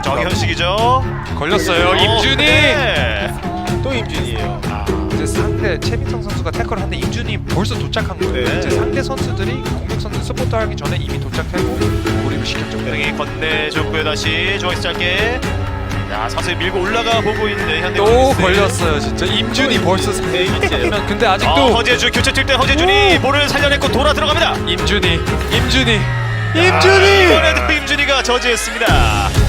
정현식이죠. 걸렸어요. 임준이. 네. 또 임준이에요. 이제 상대 최민성 선수가 태클을 하는데 임준이 벌써 도착한 거예요. 네. 이제 상대 선수들이 공격 선수 스포트 하기 전에 이미 도착하고 몰입을 시켰죠. 형이 건네줬고요. 다시 중앙에서 짧게. 자, 서서히 밀고 올라가 보고 있는 현대. 또 걸렸어요. 진짜 임준이 벌써 데이비스예요. 근데 아직도 허재준 교체 뛸 때 허재준이 볼을 살려냈고 돌아 들어갑니다. 임준이. 이번에도 임준이가 저지했습니다.